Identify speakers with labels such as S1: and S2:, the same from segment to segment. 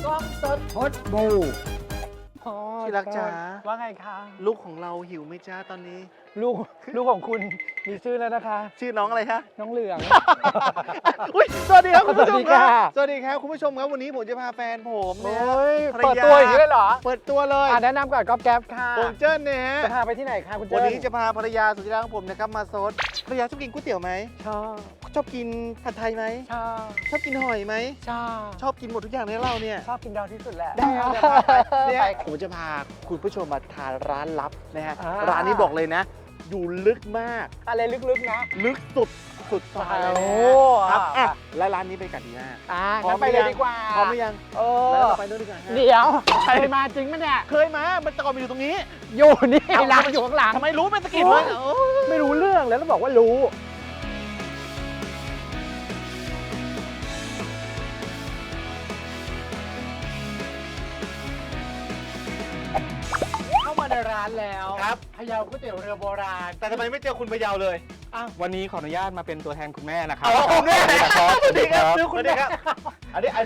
S1: กล้องสดพดบู
S2: ที่รักจ๋า
S1: ว่าไงคะ
S2: ลูกของเราหิวไหมจ้าตอนนี้
S1: ลูกของคุณมีชื่อแล้วนะคะ
S2: ชื่อน้องอะไรคะ
S1: น้องเหลือง
S2: อุ้ยสวัสดีครับคุณผู้ชม
S1: สวัสดี
S2: ครั
S1: ค่ะ
S2: บสวัสดีครับคุณผู้ชมครับวันนี้ผมจะพาแฟนผม
S1: โอ้
S2: เนี่ย
S1: ยเปิดตัวอย่างนี้เลยเหรอ
S2: เปิดตัวเลย
S1: แนะนำก่อนก๊อฟแก๊ปค่ะ
S2: ผมเจิ้นเนี่ยฮะ
S1: จะพาไปที่ไหนคะคุณเจิ้
S2: วันนี้จะพาภรรยาสุดที่รักของผมนะครับมาซดภรรยาชอบกินก๋วยเตี๋ยวไหม
S1: ชอบ
S2: ชอบกินผัดไทยไหม
S1: ชอบ
S2: ชอบกินหอยไหม
S1: ชอบ
S2: ชอบกินหมดทุกอย่างในเราเนี่ย
S1: ชอบกินดาวที่สุดแหละ
S2: ได้ครับจะพาไปเนี่ย
S1: ไป
S2: ผมจะพาคุณผู้ชมมาทานร้านลับนะฮะ
S1: อ่า
S2: ร้านนี้บอกเลยนะ อยู่ลึกมาก
S1: อะไรลึกๆนะ
S2: ลึกสุดซอยเลย
S1: โอ้
S2: นะครับอ่ะและร้านนี้เป็นกันดีมาก พร้อ
S1: งั้
S2: ม
S1: นไปเลยดีกว่า
S2: พร้อมหรือยัง
S1: เอ
S2: แล้ว
S1: อ
S2: เราไปนู่นดีกว่าฮะ
S1: เดี๋ยวเคยมาจริงปะเนี่ย
S2: เคยมามันแต่ก่อนมันอยู่ตรงนี้
S1: อยู่นี่
S2: เอ้า
S1: ร้านมันอยู่ข้างหลัง
S2: ทำไมรู้เป็นสะกิด
S1: โอ้
S2: วะ
S1: ย
S2: โอ้ย
S1: ไม่รู้เรื่องแล้วบอกว่ารู้ เข้ามาในร้านแล้ว
S2: ครับ
S1: พะเยาก๋วยเตี๋ยวเรือโบราณ
S2: แต่ทำไมไม่เจอคุณพะเยาเลย
S3: วันนี้ขออนุญาตมาเป็นตัวแทนคุณแม่นะครับ
S2: อ๋อคุณแม่
S3: ครับ
S2: สวัสดีครับ
S3: สวัสดี
S2: สวัสดีครับอันนี้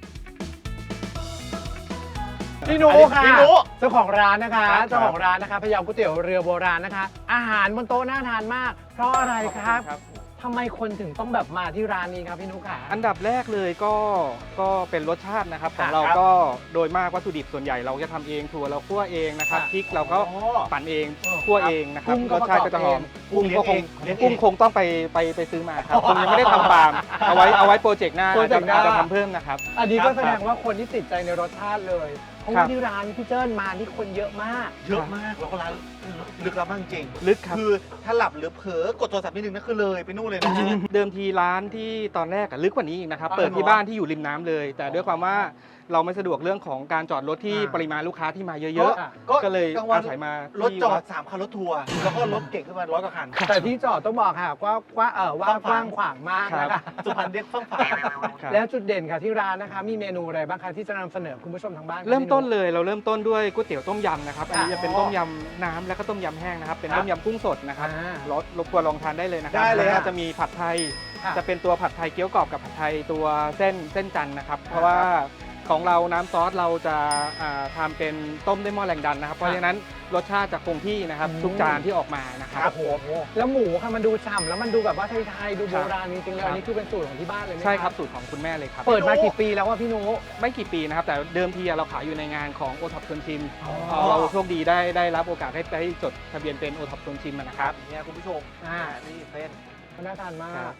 S1: พี่หนู
S2: อันนี้
S1: ค่ะ
S2: พี่หนู
S1: เจ้าของร้านนะคะ
S2: ครับ
S1: เจ้าของร้านนะคะพะเยาก๋วยเตี๋ยวเรือโบราณนะคะ อาหารบนโต๊ะน่าทานมาก เพราะอะไรครับทำไมคนถึงต้องแบบมาที่ร้านนี้ครับพี่หนุค่ะ
S3: อันดับแรกเลยก็เป็นรสชาตินะครับ ของเรา
S2: ครับ
S3: ก็โดยมากวัตถุดิบส่วนใหญ่เราจะทำเองถั่วเราคั่วเองนะครับ
S1: ค่ะ
S3: พริกเราก็
S2: อ๋อ
S3: ปั่นเอง
S1: อ๋อ
S3: คั่วเองนะครับ
S1: กุ้งก็
S3: รสชาติก็จะหอม
S1: ประกอบเอง
S3: กุ้งคงต้องไปซื้อมาครับคงยังไม่ได้ทำฟาร์มเอาไว้โปรเจกต์หน้า
S1: โปรเจกต์หน้า
S3: อาจจะทำเพิ่มนะครับ
S1: อันนี้ก็
S2: ครับ
S1: แสดงว่าคนที่ติดใจในรสชาติเลย เพราะ
S3: ครั
S1: ว่า
S3: บ
S1: ที่ร้านพี่เจิ้นมานี่คนเยอะมาก
S2: เยอะมากแล้วก็ร้านลึกลับมากจริง
S3: ลึกครับ
S2: คือถ้าหลับหรือเผลอกดโทรศัพท์นิดนึงนั่นคือเลยไปนู่นเลยนะฮะ
S3: เดิมทีร้านที่ตอนแรกอะลึกกว่านี้อีกนะครับ
S2: อ๋อ
S3: เปิดที่
S2: เหรอ
S3: บ้านที่อยู่ริมน้ำเลย แต่ด้วยความว่าเราไม่สะดวกเรื่องของการจอดรถที่
S2: อ่า
S3: ปริมาณลูกค้าที่มาเยอะ
S2: ก็
S3: ๆ ก็เลย
S2: กลางวัน
S3: อาศัยมาร
S2: ถจอด3คันรถทัวร์แล้วก็รถเก่งขึ้นมา100กว่าคัน
S1: แต่ที่จอดต้องบอกค่ะว่ากว้างขวางมากนะคะ
S2: สุพรรณเรียกฟั่งฝา
S3: ครับ
S1: แล้วจุดเด่นค่ะที่ร้านนะคะ มีเมนูอะไรบ้างคะที่จะนำเสนอคุณผู้ชมทางบ้านคะ
S3: เริ่มต้น
S1: พี่ห
S3: เลยเราเริ่มต้นด้วยก๋วยเตี๋ยวต้มยำนะครับ อันนี้
S1: ค่ะ
S3: จะเป็นต้มยำน้ำแล้วก็ต้มยำแห้งนะครับ เป็น
S2: ครับ
S3: ต้มยำกุ้งสดนะครับ
S1: อ่า
S3: รบกวนลองทานได้เลยนะครั
S2: ได้เลย
S3: แล้ว
S2: ครั
S3: ก็
S2: บ
S3: จะมีผัดไทย
S1: ค่ะ
S3: จะเป็นตัวผัดไทยเกี๊ยวกรอบกับผัดไทยตัวเส้นจันทร์นะครับ เพราะว่าของเราน้ำซอสเราจะทำเป็นต้มด้วยหม้อแรงดันนะครับ เพราะฉะนั้นรสชาติจะคงที่นะครับ
S1: อืม
S3: ทุกจานที่ออกมานะครับ
S2: ครับผม
S1: แล้วหมูค่ะมันดูฉ่ำแล้วมันดูแบบว่าไทยๆดู
S3: ค
S1: โบ
S3: รับ
S1: ราณจริงๆเลย
S3: ครับ
S1: อันนี้คือเป็นสูตรของที่บ้านเลยไหม
S3: ใช่ครับสูตรของคุณแม่เลยครับ
S1: เปิดมากี่ปีแล้วว่าพี่หนุ
S3: ไม่กี่ปีนะครับ แต่เดิมทีเราขายอยู่ในงานของโอท็อปชวนชิม
S1: อ๋อ
S3: เราโชคดีได้รับโอกาสได้จดทะเบียนเป็นโอท็อปชวนชิมนะ
S2: ค
S3: ค
S2: รั
S3: รั
S2: บบ เนี่ยคุณผู้ชมนี่เส้น
S1: มันน่าทานมา
S3: ครั
S1: ก
S3: บ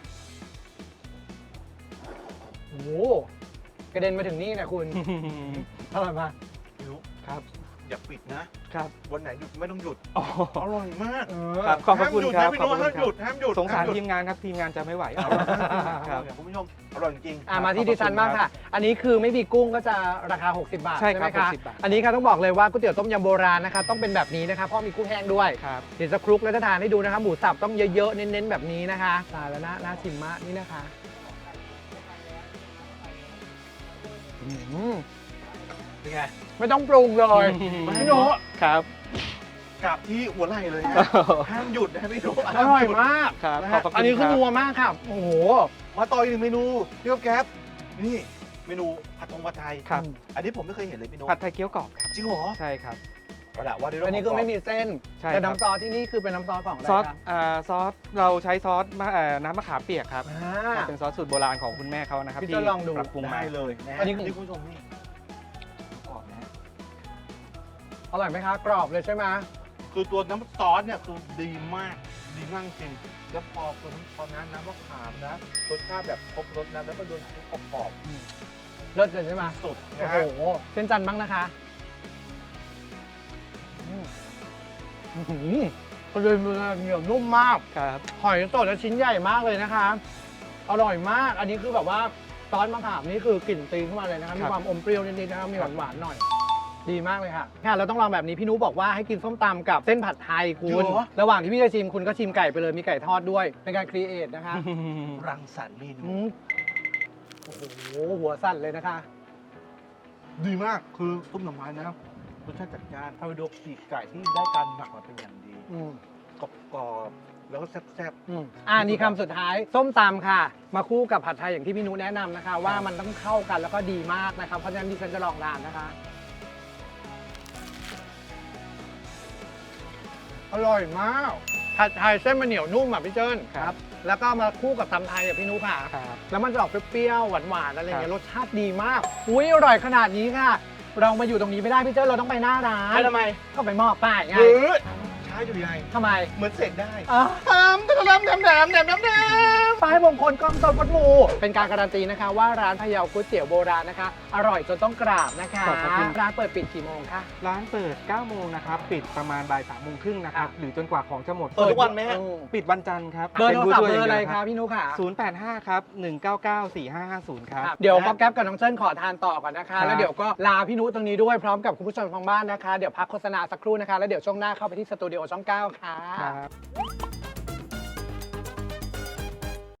S1: โอ้โหกระเด็นมาถึงนี่นะคุณอร่อยมาก
S2: ไม่รู้
S3: ครับ
S2: อย่าปิดนะ
S3: ครับ
S2: วันไหนหยุดไม่ต้องหยุด
S3: อ๋อ
S2: อร่อยมาก
S3: ครับขอบพระคุณครับ
S2: ห้ามหยุดนะพี่โน้ต
S3: ขอบพระ
S2: ห้ามหยุด
S3: คุณครับ
S2: ห้ามหยุด
S3: สงสาร
S2: ห้มห
S3: ที
S2: ยุด
S3: มงานครับทีมงานจะไม่ไหว
S2: อ
S3: ค
S2: ร่อยมาก
S3: รับ
S2: คุณผู้ชมอร่อยจริง
S1: มาที่
S3: ขอบคุณ
S1: ดิฉันบ้าง
S3: ครั
S1: ค่ะ
S3: บ
S1: อันนี้คือไม่มีกุ้งก็จะราคา 60 บาท
S3: ใช่ค
S1: ไห
S3: รั
S1: ม
S3: บ
S1: คะ
S3: 60 บาท
S1: อันนี้ค่ะต้องบอกเลยว่าก๋วยเตี๋ยวต้มยำโบราณนะคะต้องเป็นแบบนี้นะคะเพราะมีกุ้งแห้งด้วย
S3: ครับ
S1: เดี๋ยวจะคลุกแล้วจะทานให้ดูนะคะหมูสับต้องเยอะๆเน้นๆแบบนี้นะคะตายแล้วน่าชิมมากนี่นะคะอืม
S2: เป็นไง
S1: ไม่ต้องปรุงเลยพี่โน้ต
S3: ครับ
S2: กลับที่หัวไหล่เลยนะห้ามหยุดนะพี่โน้ต
S1: อร่อยมาก
S3: ครับ
S2: นะ
S3: ขอ
S2: ฮะ
S3: บพระคุณ
S1: อันนี้คือ
S3: รับ
S1: นัวมากค่ะโอ้โห
S2: มาต่ออีกหนึ่งเมนูพี่แก๊ปนี่เมนูผัดไทย
S3: ครับ
S2: อันนี้ผมไม่เคยเห็นเลยพี่โน้ต
S3: ผัดไทยเกี๊ยวกรอบครับ
S2: จริงเหรอ
S3: ใช่ครับ
S2: เอาละว่าด้วยเรื่
S1: อันนี้คือไม่มีเส้น
S3: ใช่
S1: แต่
S3: ครับ
S1: น้ำซอสที่นี่คือเป็นน้ำซอสของอะไร
S3: ซอส
S1: ครับ
S3: ซอสเราใช้ซอสน้ำมะขามเปียกครับ
S1: อ่า
S3: เป็นซอสสูตรโบราณของคุณแม่เขานะครับ
S1: พี่
S3: ที่
S1: จะลองดู
S3: ปรับปรุงมา
S2: ได้เลยนะ
S1: อันนี้
S2: นี่คุณผู้ชมนี่กรอบนะฮะ
S1: อร่อยไหมคะกรอบเลยใช่ไหม
S2: คือตัวน้ำซอสเนี่ยคือดีมากจริงแล้วพอน้ำมะขามนะรสชาติแบบครบรสนะแล้วก็โดนกรอบ
S1: เลิศเลยใช่ไหม
S2: สุด
S1: โอ้
S2: นะ
S1: โห
S2: ฮะ
S1: เส้นจันทร์บ้างนะคะก็เลยเหนียวนุ่มมาก
S3: ครับ
S1: หอยสดและชิ้นใหญ่มากเลยนะคะ อร่อยมาก อันนี้คือแบบว่าซอสมะขามนี่คือกลิ่นตีขึ้นมาเลยนะคะมีความอมเปรี้ยวนิดๆนะคะมีหวานๆหน่อย ดีมากเลยค่ะค่ะเราต้องลองแบบนี้พี่นุบอกว่าให้กินส้มตำกับเส้นผัดไทยคุณระหว่างที่พี่จะชิมคุณก็ชิมไก่ไปเลยมีไก่ทอดด้วยเป็นการครีเอทนะคะ
S2: รังสรรค์เมนู
S1: อืมโอ้โหหัวสั่นเลยนะคะ
S2: ดีมากคือซุปหน่อไม้นะรสชาติจัดจ้านทำให้ดูปีกไก่ที่ได้การหมักมาเป็นอย่างดี
S1: อืม
S2: กรอบแล้วก็แซ่บ
S1: นี่คำสุดท้ายส้มตำค่ะ มาคู่กับผัดไทยอย่างที่พี่นุแนะนำนะคะ ว่ามันต้องเข้ากันแล้วก็ดีมากนะครับเพราะฉะนั้นดิฉันจะลองทานนะคะอร่อยมากผัดไทยเส้นมันเหนียวนุ่มอ่ะพี่เจิ้น
S3: ครับ
S1: แล้วก็มาคู่กับตำไทยอ่ะพี่นุค่ะ
S3: ครับ
S1: แล้วมันจะออกเปรี้ยวๆหวานๆอะไรอย่างเงี้ย
S3: ค
S1: ร
S3: รับ
S1: สชาติดีมากอุ้ยอร่อยขนาดนี้ค่ะ เรามาอยู่ตรงนี้ไม่ได้พี่เจิ้นเราต้องไปหน้าร้า
S2: ๆ
S1: น
S2: ให้ทำไม
S1: ก็ไปมอบป้ายไง
S2: หรือใช้อยู่ยังไง
S1: ทำไม
S2: เหมือนเสกได้
S1: อ่ะ
S2: ทำทำ
S1: ป้ายมงคลกล้องสดวัดหมูเป็นการการันตีนะคะว่าร้านพะเยาก๋วยเตี๋ยวโบราณนะคะ อร่อยจนต้องกราบนะคะ
S3: ขอบพระคุณ
S1: ร้านเปิดปิดกี่โมงคะ
S3: ร้านเปิด 9 โมงนะครับ ปิดประมาณบ่าย 3 โมงครึ่งนะครับ หรือจนกว่าของจะหมด
S2: เปิดทุกวันไหมฮะ
S3: ปิดวันจันทร์ครับ
S1: เบอร์โทรศัพท์เบอร์อะไร
S3: ป็น
S1: คะพี่นุค่ะ
S3: 085 ครับ 199 4550 ครับ
S1: เดี๋ยวป๊อกแก๊ปกับน้องเจิ้นขอทานต่อก่อนนะคะ
S3: ครับ
S1: แล้วเดี๋ยวก็ลาพี่นุตรงนี้ด้วยพร้อมกับคุณผู้ชมทางบ้านนะคะ เดี๋ยวพักโฆษณาสักครู่นะคะ แล้วเดี๋ยวช่วงหน้าเข้าไปที่สตูดิโอช่อง 9 ค่ะ
S3: ครับ